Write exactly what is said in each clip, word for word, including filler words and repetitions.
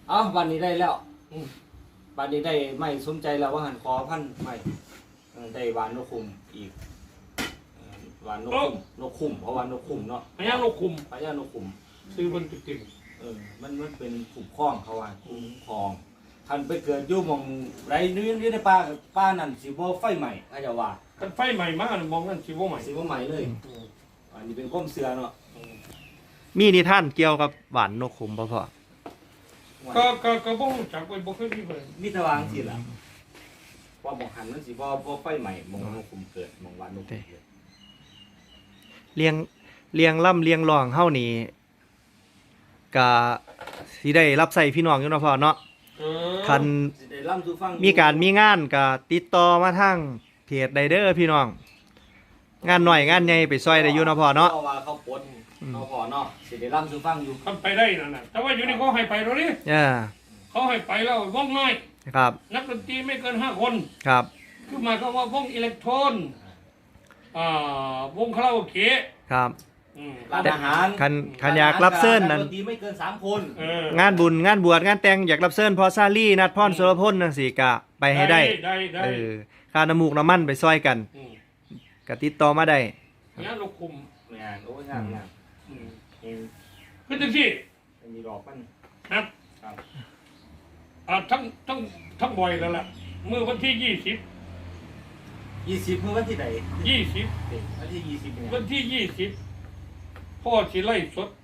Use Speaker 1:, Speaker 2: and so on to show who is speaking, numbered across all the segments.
Speaker 1: เอ้าวันนี้ได้แล้ววันนี้ได้ไม่สนใจแล้วว่าหันขอพันไม่ได้วานนกคุมอีกวานนกคุมนกคุมเพราะวานนกคุมเนาะ
Speaker 2: พญานกคุม
Speaker 1: พญานกคุม
Speaker 2: ซื้อมันติด
Speaker 1: เออมันมันเป็นคุ้มครองเขาว่าคุ้มครองคันไปเกิดยุ่มองไรนู้นนี่ในป่าป่านั่นสิบ่ไฟใหม่อาจจะว่า
Speaker 2: กันไฟใหม่มากมองนั่นสิบ่ใหม่
Speaker 1: สิบ่ใหม่เลยอันนี้เป็นก้มเสือเนาะ
Speaker 3: มีนิทานเกี่ยวกับหวานนกขุมบ่พ่อ
Speaker 2: ก็ก็ก็บ่รู้จักไว้บ่เคยมีเลย
Speaker 1: มีตะวางสิล่ะว่าหมองหันมันสิบ่บ่ไฟใหม่หมองนกขุมเกิดหมองหวานนกขุมเกิด
Speaker 3: เลี้ยงเลี้ยงล่ำเลี้ยงรองเฮานี่ก็สิได้รับใช้พี่น้องอยู่เนาะพ่อเนาะคันมีการมีงานก็ติดต่อมาทางเพจไดเดอร์พี่น้องงานหน่อยงานใหญ่ไปซอยได้อยู่เนาะพ่อเนาะ
Speaker 1: เขาว่าเขาปนเขาพอเนาะสิได้ล่ำสู่ฟังอยู่
Speaker 2: ทำไปได้นั่นน่ะแต่ว่าอยู่นี่เขาให้ไปแล้วนี่
Speaker 3: เออ
Speaker 2: เขาให้ไปแล้ววงน้อย
Speaker 3: ครับ
Speaker 2: นักดนตรีไม่เกินห้าคน
Speaker 3: ครับ
Speaker 2: คือหมายความว่าวงอิเล็กโทรนอ่าวงคาราโอเกะ
Speaker 3: ครับ
Speaker 1: ร้านอาหาร
Speaker 3: คันคันอยากรับเชิญนั่น
Speaker 1: ไม่เกินสามคน
Speaker 3: งานบุญงานบวชงานแต่งอยากรับเชิญพอซาลี่นัดพรสุรพลจังซี่ก็ไปให้ได้เออค่าน้ำมูกน้ำมันไปซอยกันก็ติดต่อมาได้
Speaker 2: งานลูกคุม
Speaker 1: งานโอ้งานงาน
Speaker 2: คือจังซี่
Speaker 1: มีดอกมัน
Speaker 2: ครับอ่าทั้งทั้งทั้งบ่อยแล้วล่ะเมื่อวันที่ยี่สิบ
Speaker 1: ยี่สิบเมื่อวันที่ไหน
Speaker 2: ยี่สิบ
Speaker 1: วันที่ยี่สิบ
Speaker 2: วันที่ยี่สิบพ่อสิไล่สด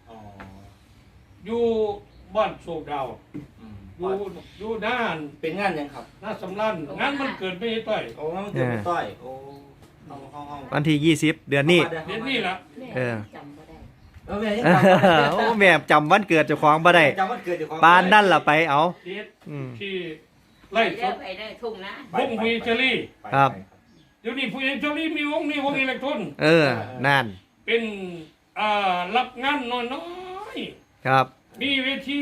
Speaker 2: อยู่บ้านโศกดาวอยู่อยู่ด้าน
Speaker 1: เป็นงานยังครับ
Speaker 2: หน้าสำรันงานมันเกิดไม่ต้อย
Speaker 1: โอ้มันเกิดไม่ต้อยโอ้
Speaker 3: วันที่ยี่สิบเดือนนี้
Speaker 2: เดือนนี้ล่ะ
Speaker 3: เออ
Speaker 1: โอ้แม่
Speaker 3: โอ้แม่จำวันเกิดเจ้าของบ่ได้ปานนั่นล่ะไปเอา
Speaker 2: ที่ไล่สด
Speaker 4: ไปได้ทุ่งนะ
Speaker 2: วงวีเจอรี่
Speaker 3: ครับ
Speaker 2: เดี๋ยวนี้วีเจอรี่มีวงนี้วงอิเล็กโทรน
Speaker 3: เออนั่น
Speaker 2: เป็นอ่ารับงานน้อย
Speaker 3: ๆครับ
Speaker 2: มีเวที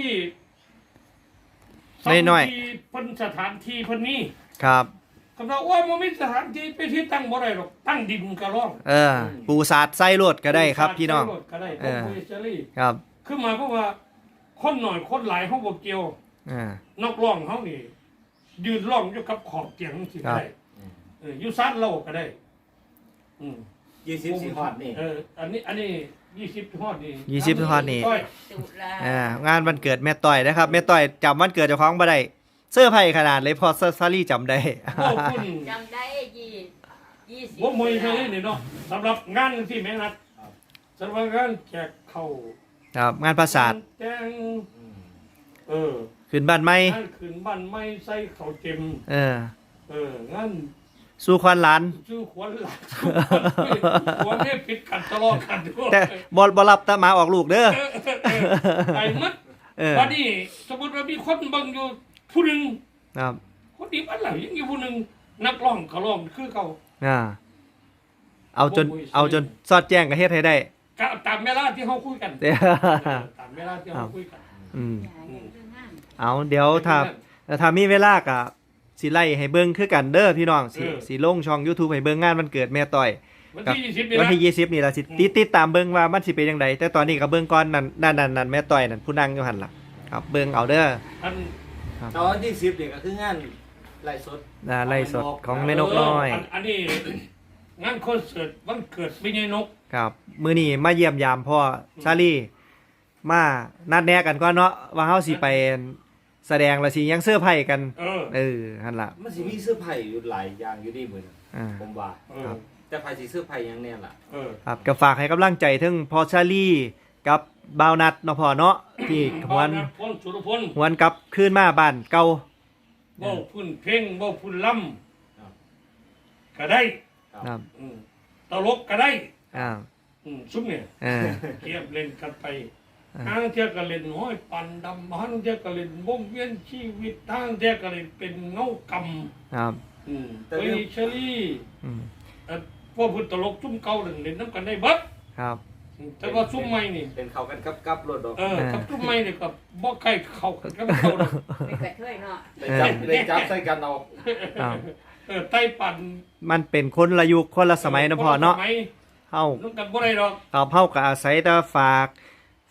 Speaker 3: น้อย
Speaker 2: ๆเพิ่นสถานที่เพิ่นนี้
Speaker 3: ครับ
Speaker 2: คำว่าว่ามันมีสถานที่ไปที่ตั้งบ่ได้หรอกตั้งดินก็ร้อง
Speaker 3: เออปูสาดไส้รถก็ได้ครับพี่น้อง
Speaker 2: ก็ได้เออ
Speaker 3: ครับ
Speaker 2: คือหมายความว่าคนหน่อยคนหลายเฮาบ่เกี่ยว
Speaker 3: อ่า
Speaker 2: นักร้องเฮานี่ยืนร้องอยู่กับขอบเตียงสิได้เอออยู่ซานเราก็ได้อืม
Speaker 1: ยี่สิบสี่ฮอดนี่
Speaker 2: เอออันนี้อันนี้ยี่สิบฮอดนี่
Speaker 3: ยี่สิบฮอดนี่อ่างานวันเกิดแม่ต้อยนะครับแม่ต้อยจำวันเกิดเจ้าของบ่ได้เสื้อไผ่ขนาดเลยพอซาลี่จำได้
Speaker 4: จำได้ยี่ยี่สิบ
Speaker 2: ว่ามวยซาลี่นี่เนาะสำหรับงานที่แม่นัดสำหรับงานแจกเข้า
Speaker 3: ครับงานประสาท
Speaker 2: แจ้งเออ
Speaker 3: ขึ้นบ้านใหม่
Speaker 2: งานขึ้นบ้านใหม่ใส่ข้าวเต็ม
Speaker 3: เออ
Speaker 2: เอองาน
Speaker 3: สู้ควันหลาน
Speaker 2: สู้ควันหลานควันนี่ปิดกันตลอดกัน
Speaker 3: แต่บ่บ่รับตาหมาออกลูกเด้อ
Speaker 2: ไอ้มัดวันนี้สมมุติว่ามีคนเบิ่งอยู่ผู้หนึ่ง
Speaker 3: ครับ
Speaker 2: คนดีบ้านหลังยังอยู่ผู้หนึ่งนักร้องเขาร้องคือเขา
Speaker 3: อ่าเอาจนเอาจนสอดแจ้งกับเฮ็ดให้ได้
Speaker 2: ตามเวลาที่เขาคุยกันตามเวลาที่เขาคุยกัน
Speaker 3: อืมเอาเดี๋ยวถ้าถ้ามีเวลาก็สิไล่ให้เบิ่งคือกันเด้อพี่น้องสิสิลงช่อง YouTube ให้เบิ่งงานวันเกิดแม่ต้อย
Speaker 2: วันที่ยี่สิบนี่
Speaker 3: วันที่ยี่สิบนี่ล่ะสิติดติดตามเบิ่งว่ามันสิเป็นจังไดแต่ตอนนี้ก็เบิ่งก่อนนั่นนั่นนั่นแม่ต้อยนั่นผู้นั่งอยู่หั่นล่ะครับเบิ่งเอาเด้อ
Speaker 1: ตอนที่สิบเด็กก็คืองานไล่สด
Speaker 3: อ่าไล่สดของแม่นกน้อย
Speaker 2: อันนี้งานคอนเสิร์ตวันเกิดแม่นก
Speaker 3: ครับมื้อนี้มาเยี่ยมยามพ่อชาลีมานัดแนะกันก่อนเนาะว่าเฮาสิไปแสดงแล้วสิยังเสื้อไผ่กัน
Speaker 2: เออ
Speaker 3: เออหั่นล่ะ
Speaker 1: มันสิมีเสื้อไผ่อยู่หลายอย่างอยู่นี่มื้อผมว่าครับแต่ไผ่สิเสื้อไผ่ยังแน่ล่ะ
Speaker 2: เออ
Speaker 3: ครับก็ฝากให้กำลังใจถึงพ่อชาลีกับบ่าวนัดเนาะพ่อเนาะที่หวนหวนกลับคืนมาบ้านเก่า
Speaker 2: เว้าพื้นเพลงเว้าพื้นล่ำก็ได้
Speaker 3: ครับ
Speaker 2: ตลกก็ได้
Speaker 3: อ่า
Speaker 2: ซุ่มเนี่ยเทียบเล่นกันไปทางเทียก็เล่นห้อยปั่นดำทางเทียก็เล่นวงเวียนชีวิตทางเทียก็เล่นเป็นเงาก
Speaker 3: ำครับ
Speaker 2: ไปเชอรี่พวกพื้นตลกซุ่มเก่าเล่นเล่นน้ำกันได้เบิด
Speaker 3: ครับ
Speaker 2: แต่ว่าซุ่มใหม่นี่
Speaker 1: เป็นเขากันกับกับรถดอก
Speaker 2: เออกับซุ่มใหม่นี่กับบ่ใกล้เขากันกับเขาดอก
Speaker 4: ไม่กระช่วยเนาะ
Speaker 1: ได้จับได้จับใส่กันเอา
Speaker 2: เออไต้ปั่น
Speaker 3: มันเป็นคนละยุคคนละสมัยนะพ่อเนาะเฮา
Speaker 2: น้ำกันบ่ได้ดอก
Speaker 3: ครับเฮาก็อาศัยแต่ฝากฝี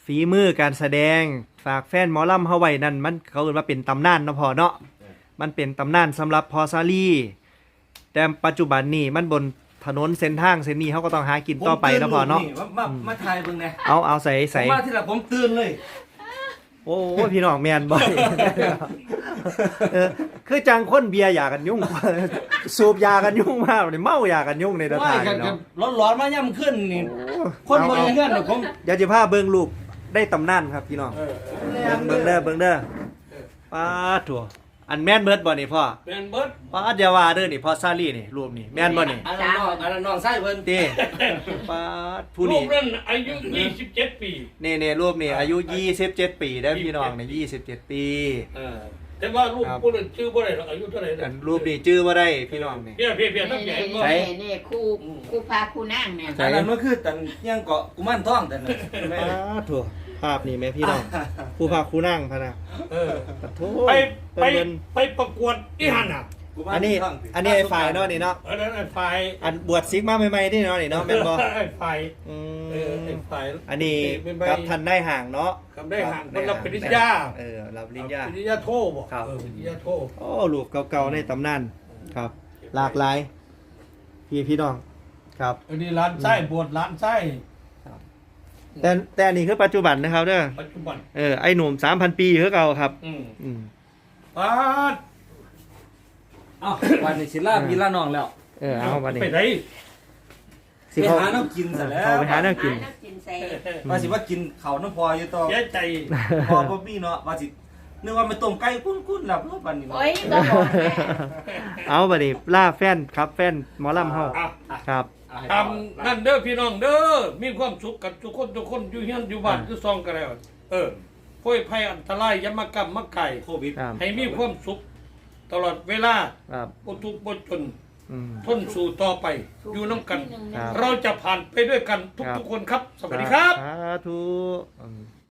Speaker 3: ฝีมือการแสดงฝากแฟนหมอลำเฮาไว้นั่นมันเขาเรียกว่าเป็นตำนานเนาะพ่อเนาะมันเป็นตำนานสำหรับพอซาลี่แต่ปัจจุบันนี้มันบนถนนเส้นทางเส้นนี้เขาก็ต้องหากินต่อไปเนาะพ่อเนาะ
Speaker 1: มามามาถ่ายเบิ่งแหน่
Speaker 3: เอาเอาใส่
Speaker 1: ผ
Speaker 3: ใส่
Speaker 1: มมาที่ละผมตื่นเลย
Speaker 3: โอ้ยพี่น้องแม่นบ่ เออคือจังคนเบียร์ยากันยุ่ง สูบยากันยุ่งมากเลยเมายากันยุ่งในตะ
Speaker 1: ว่า
Speaker 3: ทาง
Speaker 1: กัน
Speaker 3: เนาะ
Speaker 1: ร้อนๆมาย่ำขึ้นนี่
Speaker 3: โอ้
Speaker 1: คนบนเงื่อนน่ะผม
Speaker 3: เดี๋ยวจะพาเบิ่งรูปได้ตำนานครับพี่น้อง
Speaker 2: เออ
Speaker 3: เบิ่งเบิ่งเด้อเบิ่งเด้อป้าดถั่วอันแม่นเบิดบ่นี่พ่อ
Speaker 2: เป็นเบิด
Speaker 3: ป้าดอย่าว่าเด้อนี่พ่อซาลี่นี่รูปนี่แม่นบ่นี่
Speaker 1: อันนั้นน้องอันนั้นน้องไส้เพิ่น
Speaker 3: เต้ป้าดผู้
Speaker 2: ลู
Speaker 3: นี้
Speaker 2: กนั้นอายุยี่สิบเจ็ดปี
Speaker 3: นี่ๆรูปนี่อายุยี่สิบเจ็ดปีเด้อพี่น้องนี่ยี่สิบเจ็ดปี
Speaker 2: เออแต่ว่าลูก
Speaker 3: ครับ
Speaker 2: ผู้นั้นชื่อบ่ได้หรอกอายุเท่าไหร่
Speaker 3: อั
Speaker 2: นะ
Speaker 3: นรูปนี่ชื่อบ่ได้พี่น้องนี่
Speaker 2: เพี้ยเพี้ยเพี้ยนักใหญ่ก็
Speaker 3: ใช่
Speaker 4: นี่นี่คู่คู่พาคู่นั่งเนี่ย
Speaker 3: ใช่
Speaker 1: อันนั้นมันคือตันยังเกาะกุมารทองแต่นั่นแม่
Speaker 3: ป้าดถั่วภาพนี่แม่พี่น้องผู้พาครูนั่งพะนะ
Speaker 2: เออ
Speaker 3: ปะโถ
Speaker 2: ไปไป
Speaker 3: เพิ่น
Speaker 2: ไปประกวดอีหันอ่ะ
Speaker 1: กุมาร
Speaker 3: อันนี้
Speaker 1: ทง
Speaker 3: อันนี้ไอ้ฝ่ายเนาะนี่เนาะ
Speaker 2: อันนั้นไอ้ฝ่าย
Speaker 3: อันบวชซิกมาใหม่ๆนี่เนาะนี่เนาะแม่นบ่
Speaker 2: ไอ้ฝ่าย
Speaker 3: อื
Speaker 2: เออไอ้
Speaker 3: ม
Speaker 2: ฝ่าย
Speaker 3: อันนี้
Speaker 2: เป็นใบ
Speaker 3: กับทันได้ห่างเนาะ
Speaker 2: กับได้ห่าง
Speaker 3: ได้
Speaker 2: มันรับปริญญา
Speaker 3: เออรับปริญญา
Speaker 2: ปริญญาโทบ่
Speaker 3: ครับ
Speaker 2: เออปริญญาโท
Speaker 3: โอ้รูปเก่าๆในตำนานครับ หลากหลาย พี่พี่น้องครับ
Speaker 2: อันนี้ร้านไส้บวชร้านไส้
Speaker 3: แต่แต่อันนี้คือปัจจุบันนะครับเด้อ
Speaker 2: ปัจจุบัน
Speaker 3: เออไอ้หนุ่ม สามพัน ปีคือเก่าครับ
Speaker 2: อืม
Speaker 3: อืม
Speaker 2: ปาด
Speaker 1: เอ้าวันนี้สิลาพี่ลาน้องแล้ว
Speaker 3: เออเอาบัดนี้
Speaker 2: ไปไหน
Speaker 3: สิ
Speaker 1: ไป
Speaker 3: เขา
Speaker 1: หาน้ำกินซะแล้ว
Speaker 3: เขาไปหาแนวกิน
Speaker 4: หาำกินใส่
Speaker 1: ว่าสิว่ากินเขาวน้ำพออยู่ต่อ
Speaker 2: เสียใจ
Speaker 1: พอบ่มีเนาะว่าสินึกว่ามันต้มไก่กุ้นๆแล้วเพื่อปันนี่เนาะ
Speaker 4: โอ้ยก็บอกแม่
Speaker 3: เอาบัดนี้ล่าแฟนครับแฟนหมอลำเฮา
Speaker 2: อ่ะ
Speaker 3: ครับ
Speaker 1: เอาให้
Speaker 2: ทำนั่นเด้อพี่น้องเด้อมีความสุขกันทุกคนทุกคนอยู่เฮียนอยู่บ้าน
Speaker 3: อ่า
Speaker 2: อยู่ซองกันแล้ว เออพ้ยภัยอันตรายอยามากรรมมาไก่
Speaker 1: โควิด
Speaker 3: ครับ
Speaker 2: ให้มีความสุขตลอดเวลา
Speaker 3: ครับ
Speaker 2: บ่ทุกข์บ่จน
Speaker 3: อืม
Speaker 2: ทนสู่ต่อไป อยู่น้ำกัน
Speaker 3: ครับ
Speaker 2: เราจะผ่านไปด้วยกันทุกๆคนครับ สวัสดีครับ
Speaker 3: สาธุอืม